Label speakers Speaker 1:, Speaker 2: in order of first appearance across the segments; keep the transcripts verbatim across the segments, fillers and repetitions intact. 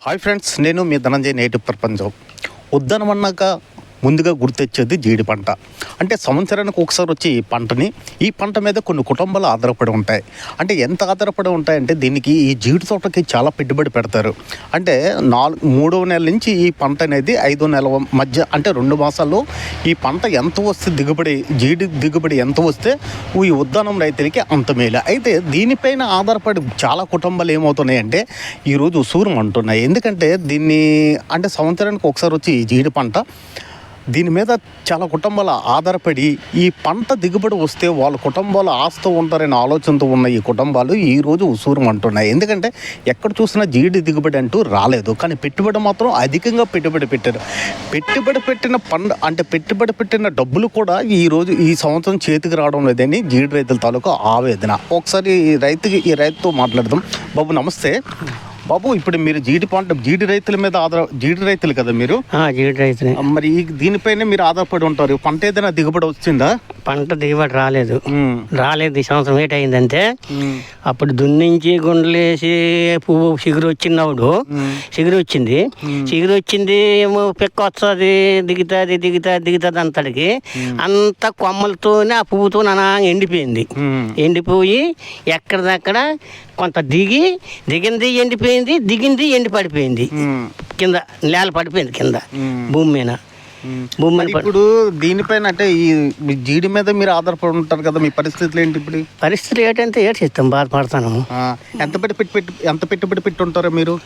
Speaker 1: Hi friends, నేను మీ Dhananjay native ప్రపంచం. ఉద్దానమన్నాక ముందుగా గుర్తొచ్చేది జీడి పంట. అంటే సంవత్సరానికి ఒకసారి వచ్చి ఈ పంటని ఈ పంట మీద కొన్ని కుటుంబాలు ఆధారపడి ఉంటాయి. అంటే ఎంత ఆధారపడి ఉంటాయంటే దీనికి ఈ జీడి తోటకి చాలా పెట్టుబడి పెడతారు. అంటే నాలుగు మూడవ నెల నుంచి ఈ పంట అనేది ఐదో నెల మధ్య అంటే రెండు మాసాల్లో ఈ పంట ఎంత వస్తే దిగుబడి జీడి దిగుబడి ఎంత వస్తే ఈ ఉద్దానం రైతులకి అంత మేలు. అయితే దీనిపైన ఆధారపడి చాలా కుటుంబాలు ఏమవుతున్నాయంటే ఈరోజు ఉసూరం అంటున్నాయి. ఎందుకంటే దీన్ని అంటే సంవత్సరానికి ఒకసారి వచ్చి ఈ జీడి పంట దీని మీద చాలా కుటుంబాలు ఆధారపడి ఈ పంట దిగుబడి వస్తే వాళ్ళ కుటుంబాలు ఆస్తూ ఉంటారనే ఆలోచనతో ఉన్న ఈ కుటుంబాలు ఈరోజు ఉసూరం అంటున్నాయి. ఎందుకంటే ఎక్కడ చూసినా జీడి దిగుబడి అంటూ రాలేదు, కానీ పెట్టుబడి మాత్రం అధికంగా పెట్టుబడి పెట్టారు. పెట్టుబడి పెట్టిన పంట అంటే పెట్టుబడి పెట్టిన డబ్బులు కూడా ఈరోజు ఈ సంవత్సరం చేతికి రావడం లేదని జీడి రైతుల తాలూకా ఆవేదన. ఒకసారి ఈ రైతుకి ఈ రైతుతో మాట్లాడదాం. బాబు నమస్తే. బాబు, ఇప్పుడు మీరు జీడి పంట జీడి రైతుల మీద ఆధార జీడి రైతులు కదా మీరు?
Speaker 2: జీడి రైతులు.
Speaker 1: మరి ఈ దీనిపైనే మీరు ఆధారపడి ఉంటారు. పంట ఏదైనా దిగుబడి వచ్చిందా?
Speaker 2: పంట దిగుబడి రాలేదు రాలేదు ఈ సంవత్సరం. ఏంటయిందంటే అప్పుడు దున్నించి గుండలేసి పువ్వు చిగురు వచ్చినప్పుడు చిగురు వచ్చింది చిగురు వచ్చింది ఏమో పెక్క వస్తుంది, దిగుతుంది దిగుతుంది దిగుతుంది అంతటికి అంత కొమ్మలతోనే ఆ పువ్వుతో నా ఎండిపోయింది. ఎండిపోయి ఎక్కడిదక్కడ కొంత దిగి దిగింది ఎండిపోయింది, దిగింది ఎండి పడిపోయింది, కింద నేల పడిపోయింది కింద భూమి మీద. భూమి మీద
Speaker 1: ఇప్పుడు దీనిపైన అంటే ఈ జీడి మీద మీరు ఆధారపడి ఉంటారు కదా, మీ పరిస్థితులు ఏంటి ఇప్పుడు?
Speaker 2: పరిస్థితులు ఏంటంటే ఏడు చేస్తాం, బాధపడతాను.
Speaker 1: ఎంత పెట్టి పెట్టి పెట్టి ఎంత పెట్టుబడి పెట్టి ఉంటారో మీరు?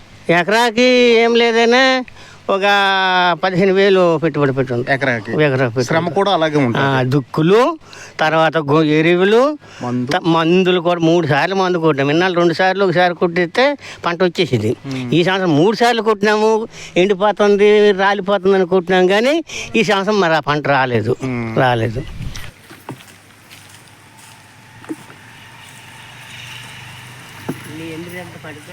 Speaker 2: ఎకరాకి ఏం లేదైనా ఒక పదిహేను వేలు పెట్టుబడి పెట్టి
Speaker 1: ఎకరాకి.
Speaker 2: ఎకరా
Speaker 1: శ్రమ కూడా అలాగే ఉంటుంది.
Speaker 2: దుక్కులు, తర్వాత గో ఎరువులు, మందులు కూడా మూడు సార్లు మందు కొట్టినాము. ఇన్నాళ్ళు రెండు సార్లు ఒకసారి కొట్టిస్తే పంట వచ్చేసింది. ఈ సంవత్సరం మూడు సార్లు కొట్టినాము, ఎండిపోతుంది రాలిపోతుంది అని కొట్టినాము, కానీ ఈ సంవత్సరం మరి ఆ పంట రాలేదు రాలేదు పడితే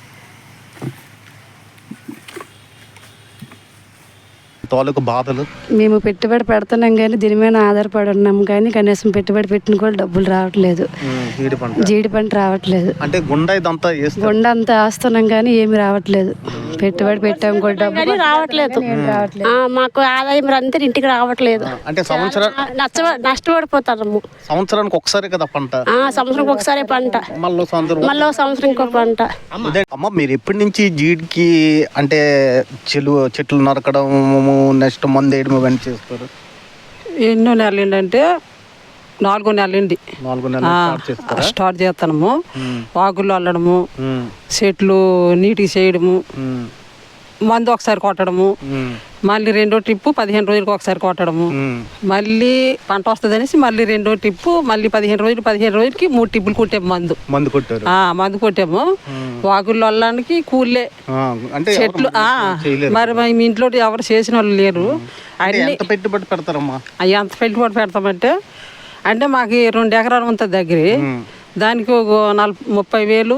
Speaker 1: తాలూకు బాధలు.
Speaker 3: మేము పెట్టుబడి పెడుతున్నాం కానీ దీని మీద ఆధారపడి ఉన్నాం, కానీ కనీసం పెట్టుబడి పెట్టిన కూడా డబ్బులు రావట్లేదు. జీడి పంట రావట్లేదు.
Speaker 1: అంటే గుండ ఇదంతా
Speaker 3: గుండ అంతా వేస్తున్నాం కానీ ఏమి రావట్లేదు. పెట్టుబడి పెట్టాం కూడా డబ్బులు
Speaker 4: రావట్లేదు. మాకు ఆదాయం అంతా ఇంటికి రావట్లేదు.
Speaker 1: అంటే సంవత్సరం
Speaker 4: నష్టపడిపోతాము.
Speaker 1: సంవత్సరానికి ఒకసారి కదా పంట?
Speaker 4: సంవత్సరానికి ఒకసారి పంట,
Speaker 1: మళ్ళీ సంవత్సరం
Speaker 4: మళ్ళీ సంవత్సరం ఇంకో పంట.
Speaker 1: అమ్మ, మీరు ఎప్పటి నుంచి జీడికి అంటే చెలు చెట్లు నరకడం నెక్స్ట్ మందు వేయడం ఇవన్నీ చేస్తారు?
Speaker 5: ఎన్నో నెలలు ఏంటంటే నాలుగో నెలలండి
Speaker 1: నాలుగు నెలలు
Speaker 5: స్టార్ట్ చేస్తాము. వాగులు అల్లడము, చెట్లు నీటికి చేయడము, మందు ఒకసారి కొట్టడము, మళ్ళీ రెండో ట్రిప్పు పదిహేను రోజులకు ఒకసారి కొట్టడము, మళ్ళీ పంట వస్తుంది అనేసి మళ్ళీ రెండో ట్రిప్పు మళ్ళీ పదిహేను రోజులు పదిహేను రోజులకి మూడు ట్రిప్పులు కొట్టాము. మందు
Speaker 1: మందు కొట్టారు
Speaker 5: మందు కొట్టాము. వాగుళ్ళు అల్లడానికి కూలే చెట్లు. మరి మా ఇంట్లో ఎవరు చేసిన వాళ్ళు లేరు.
Speaker 1: అన్ని పెట్టుబడి పెడతారమ్మా.
Speaker 5: అవి ఎంత పెట్టుబడి పెడతామంటే అంటే మాకు రెండు ఎకరాలు ఉంటుంది దగ్గర, దానికి ఒక నలభై ముప్పై వేలు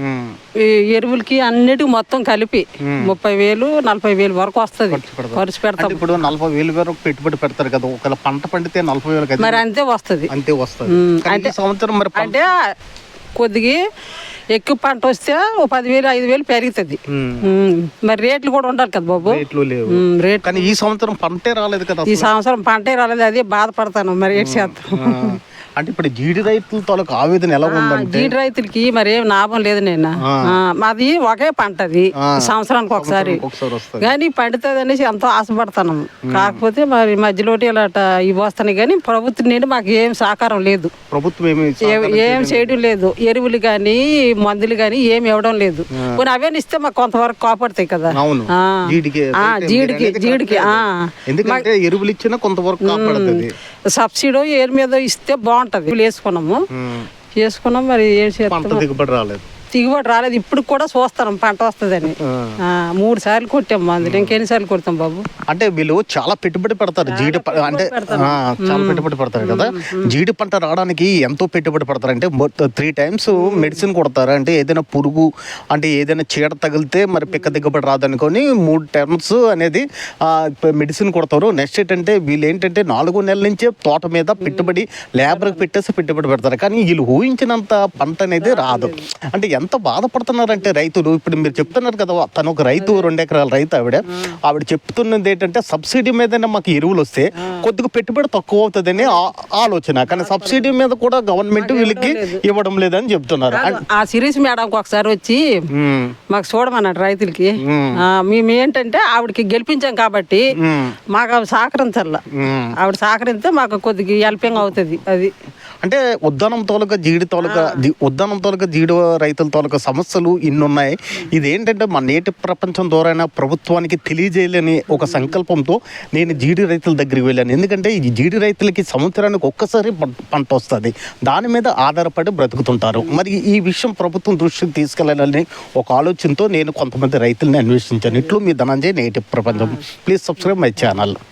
Speaker 5: ఎరువులకి అన్నిటికి మొత్తం కలిపి ముప్పై వేలు నలభై వేలు వరకు వస్తుంది ఖర్చు పెడతాం.
Speaker 1: ఇప్పుడు నలభై వేలు వరకు పెట్టుబడి పెడతారు కదా, ఒకవేళ పంట పండితే నలభై వేలు
Speaker 5: మరి అంతే వస్తుంది
Speaker 1: అంతే వస్తుంది. అంటే సంవత్సరం మరి
Speaker 5: అంటే కొద్దిగా ఎక్కువ పంట వస్తే ఓ పదివేలు ఐదు వేలు పెరుగుతుంది. మరి రేట్లు కూడా ఉండాలి కదా బాబు.
Speaker 1: రేట్లు లేవు. రేట్ కానీ ఈ సంవత్సరం పంటే రాలేదు కదా.
Speaker 5: ఈ సంవత్సరం పంటే రాలేదు, అదే బాధపడతాను. మరి ఏడు చేస్తాం.
Speaker 1: అంటే ఇప్పుడు జీడి రైతుల తాలూకు ఆవేదన ఎలా ఉందంటే
Speaker 5: జీడి రైతులకి మరి ఏం లాభం లేదు. నేను మాది ఒకే పంట, అది సంవత్సరానికి ఒకసారి కానీ పండుతుంది అనేసి ఎంతో ఆశపడతాను. కాకపోతే మరి మధ్యలోటి ఇలా ఇవి వస్తాయి, కానీ ప్రభుత్వం నుండి మాకు ఏం సహకారం లేదు. ప్రభుత్వం ఏం చేయడం లేదు. ఎరువులు కానీ మందులు కానీ ఏమి ఇవ్వడం లేదు. కొన్ని అవే ఇస్తే మాకు కొంతవరకు కాపాడుతాయి కదా జీడికి జీడికి
Speaker 1: ఎందుకంటే ఎరువులు ఇచ్చినా కొంతవరకు కాపాడుతుంది.
Speaker 5: సబ్సిడీ ఏరు మీద ఇస్తే బాగుంటది. వేసుకున్నాము వేసుకున్నాం మరి ఏం చేస్తాం,
Speaker 1: దిగుబడి రాలేదు
Speaker 5: దిగుబడి రాలేదు. ఇప్పుడు కూడా చూస్తాం పంట వస్తుందని. మూడు సార్లు కొట్టాం మందులు, ఇంకెన్నిసార్లు కొడతాం బాబు.
Speaker 1: అంటే వీళ్ళు చాలా పెట్టుబడి పెడతారు జీడి అంటే చాలా పెట్టుబడి పెడతారు కదా. జీడి పంట రావడానికి ఎంతో పెట్టుబడి పెడతారు. అంటే త్రీ టైమ్స్ మెడిసిన్ కొడతారు. అంటే ఏదైనా పురుగు అంటే ఏదైనా చీడ తగిలితే మరి పిక్క దిగుబడి రాదనుకొని మూడు టైమ్స్ అనేది మెడిసిన్ కొడతారు. నెక్స్ట్ ఏంటంటే వీళ్ళు ఏంటంటే నాలుగో నెలల నుంచే తోట మీద పెట్టుబడి లేబర్కి పెట్టేసి పెట్టుబడి పెడతారు. కానీ వీళ్ళు ఊహించినంత పంట అనేది రాదు. అంటే ఎంత బాధపడుతున్నారంటే రైతులు ఇప్పుడు మీరు చెప్తున్నారు కదా, తను ఒక రైతు, రెండు ఎకరాల రైతు ఆవిడ ఆవిడ చెప్తున్నది ఏంటంటే సబ్సిడీ మీదనే మాకు ఎరువులు వస్తే కొద్దిగా పెట్టుబడి తక్కువ అవుతుందని ఆ- ఆలోచన. కానీ సబ్సిడీ మీద కూడా గవర్నమెంట్ వీళ్ళకి ఇవ్వడం లేదని చెప్తున్నారు.
Speaker 5: ఆ సిరీస్ మేడంకి ఒకసారి వచ్చి
Speaker 1: ఉమ్,
Speaker 5: మాకు చూడమన్నాడు రైతులకి. ఆ, మేము ఏంటంటే ఆవిడకి గెలిపించాం కాబట్టి మాకు ఆవిడ సహకరించాల. ఆవిడ సహకరిస్తే మాకు కొద్దిగా హెల్పింగ్ అవుతుంది. అది
Speaker 1: అంటే ఉద్దానం తోలుక జీడి తోలుక జీ- ఉద్దానం తోలుక జీడి రైతుల తోలుక సమస్యలు ఇన్ని ఉన్నాయి. ఇదేంటంటే మన నేటి ప్రపంచం ద్వారా ప్రభుత్వానికి తెలియజేయాలని ఒక సంకల్పంతో నేను జీడి రైతుల దగ్గరికి వెళ్ళాను. ఎందుకంటే ఈ జీడి రైతులకి సంవత్సరానికి ఒక్కసారి పం- పంట వస్తుంది, దాని మీద ఆధారపడి బ్రతుకుతుంటారు. మరి ఈ విషయం ప్రభుత్వం దృష్టికి తీసుకెళ్లాలని ఒక ఆలోచనతో నేను కొంతమంది రైతుల్ని అన్వేషించాను. ఇట్లు మీ ధనంజయ్, నేటి ప్రపంచం. Please subscribe my channel.